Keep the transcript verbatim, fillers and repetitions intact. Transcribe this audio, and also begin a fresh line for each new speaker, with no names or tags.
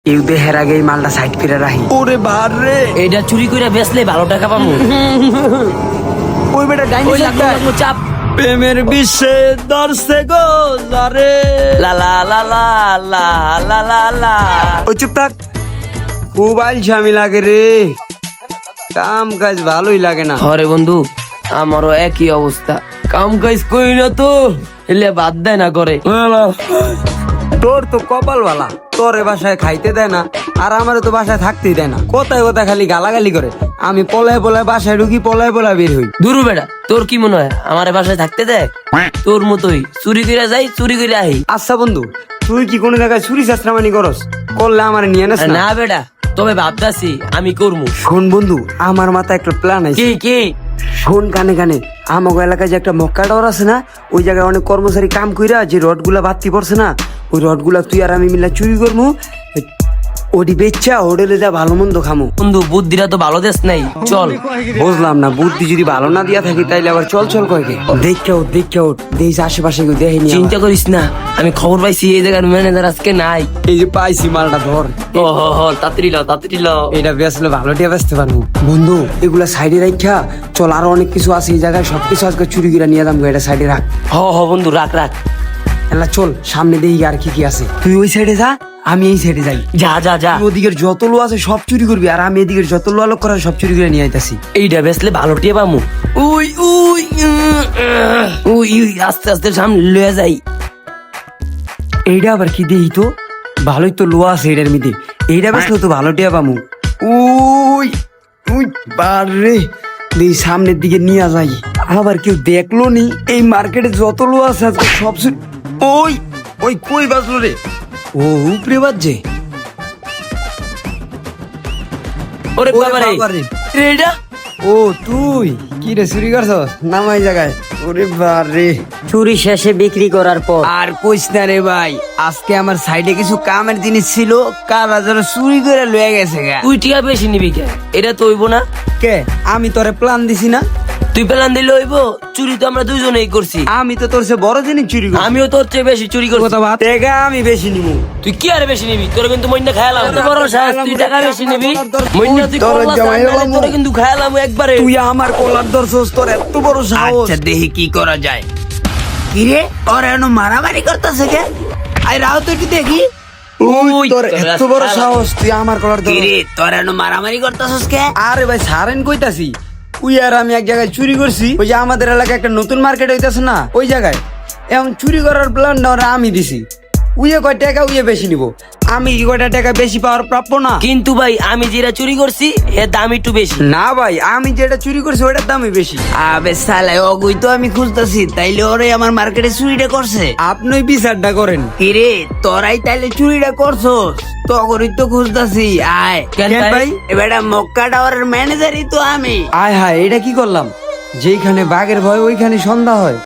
ইউদে হের আগে এই মালটা সাইড ফিরে রাখি। ওরে ভার রে,
এটা চুরি করে বেচলে ভালো টাকা পাবো।
ওই বেটা ডাইনি
ওই লাগলো, লাগলো, চাপ।
প্রেমের বিশ্বে দর্শে গো লারে।
লা লা লা লা লা লা লা লা।
ওই চুপ থাক, খুব আলসামি লাগে রে, কাম কাজ ভালোই লাগে না।
হরে বন্ধু, আমারও একই অবস্থা, কাম কাজ করি না তো এলে বাদ দেয় না করে।
তোর তো কপাল বালা, তোর এ বাসায় খাইতে দেয় না, আর আমার তো বাসায় থাকতেই দেয় না। কোথায় কোথায় খালি গালাগালি করে, আমি পলায় পলায় বাসায় ঢুকি, পলায় পলায় বের হই।
দুরু বেটা, তোর কি মনে হয় আমার এ বাসায় থাকতে দেয়? তোর মতোই চুরি করে যাই, চুরি করে আহি।
আচ্ছা বন্ধু, তুই কি কোনো জায়গায় চুরি চাষরামানি করস? করলে আমার নিয়ে নাস না?
না বেটা, তবে ভাবতাছি আমি করবো।
শোন বন্ধু, আমার মাথায় একটা প্ল্যান আছে।
কি কি?
শোন কানে কানে, আমাকে এলাকায় যে একটা মক্কা টাওয়ার আছে না, ওই জায়গায় অনেক কর্মচারী কাম কইরা যে রড গুলা বাড়তি পড়ছে না, ওই রড গুলা তুই আর আমি মিলা চুরি করবো, ওটি বেচা হোটেলে যা ভালো মন্দ খামো।
বন্ধু বুদ্ধিটা তো ভালো দেশ নাই, চল।
বুঝলাম না, বুদ্ধি যদি ভালো না দিয়া থাকি তাইলে আবার চল চল কয়কে। দেখে ওঠ দেখে ওঠ, দেশ আশেপাশে কেউ দেখেনি।
চিন্তা করিস না, আমি খবর পাইছি এই জায়গার ম্যানেজার আজকে নাই।
এই যে পাইছি মালটা, ধর।
ও হ হ, তাড়াতাড়ি লাও, তাড়াতাড়ি লাও।
এটা বেচলে ভালো টিয়া বেচতে পারবো। বন্ধু এগুলা সাইডে রাখা চল, আরো অনেক কিছু আছে এই জায়গায়, সবকিছু আজকে চুরি করে নিয়ে যাবো, এটা সাইডে রাখ।
হ হ বন্ধু, রাখ রাখ।
এলা চল সামনে দেখি আর কি কি আছে। তুই ওই সাইডে যা, আমি এই সাইডে যাই।
যা যা যা।
তুই ওদিকের যত লো আছে সব চুরি করবি, আর আমি এদিকের যত লো আলোক করার সব চুরি করে নিয়ে আইতাছি।
এইটা বেসলে ভালো টিয়ে পামু। উই উই উম, আহ, উই উই, আস্তে আস্তে সামনে লয়ে যাই।
এইটা আবার কি দেই তো, ভালোই তো লোয়া আছে এটার মধ্যে, এইটা বেসলে তো ভালো টিয়া পামু। উই উই বারে, দেই সামনের দিকে নিয়ে যাই। আবার কেউ দেখলো নি, এই মার্কেটে যত লো আছে আজকে সব চুরি। ওই ওই কই বাজলো রে? ও উপরে বাজছে।
ওরে
ওরে
বাবারে,
বাবারে।
এইটা
ও তুই কি রে চুরি করছস? নামাই জায়গায়। ওরে বারে,
চুরি শেষে বিক্রি করার পর
আর কইস না রে ভাই, আজকে আমার সাইডে কিছু কামের জিনিস ছিল, কারা যেন চুরি করে লয়ে গেছে গা।
তুই টিয়া বেশি নিবি কে? এটা তো হইব না।
কে? আমি তোরে প্ল্যান দিছি না?
তুই প্ল্যান দিলে হইব? চুরি তো আমরা দুইজনেই করছি।
আমি তো তোর চেয়ে বড় জিনিস চুরি করছি।
আমিও তোর চেয়ে বেশি চুরি করছি।
কথা বাদ, টাকা আমি বেশি নিবো।
তুই কি আর বেশি নিবি? তোর কিন্তু মইনা খায়ালাম। এত বড় সাহস, তুই টাকা বেশি নিবি? মইনা তুই
তোর
করলা
জামাই
জানলে
হলাম।
তোরে কিন্তু খায়ালাম একবারে।
তুই আমার কলার ধরছস, তোর এত বড় সাহস।
আচ্ছা দেখি কি করা যায়।
কিরে ওর এনো মারামারি করতেছে কে? আই রাও তো একটু দেখি। ওই তোর এত বড় সাহস, তুই আমার কলার ধর।
কিরে তোর এনো মারামারি করতেছস কে?
আরে ভাই সারেন কইতাছি, উই আর আমি এক জায়গায় চুরি করছি, ওই যে আমাদের এলাকায় একটা নতুন মার্কেট হইতাছে না, ওই জায়গায় এখন চুরি করার প্ল্যানটা ওরা আমি দিছি। উইয়ে কয় টাকা উইয়ে বেশি নিব, আমি কি কয়টা টাকা বেশি পাওয়ার প্রাপ্য না?
কিন্তু ভাই আমি যেটা চুরি করছি এর দাম একটু বেশি।
না ভাই, আমি যেটা চুরি করছি ওটার দামই বেশি।
আবে সালে ওগুই তো আমি খুঁজতাছি, তাইলে ওরে আমার মার্কেটে চুরিটা করছে।
আপনি বিচারটা করেন।
কিরে তোরাই তাইলে চুরিটা করছস? তখনই তো খুঁজতাছি। আয়
কেন ভাই?
এবারে মক্কা টাওয়ারের ম্যানেজারই তো আমি।
আয় হায়, এটা কি করলাম? যেখানে বাঘের ভয় ওইখানে সন্ধ্যা হয়।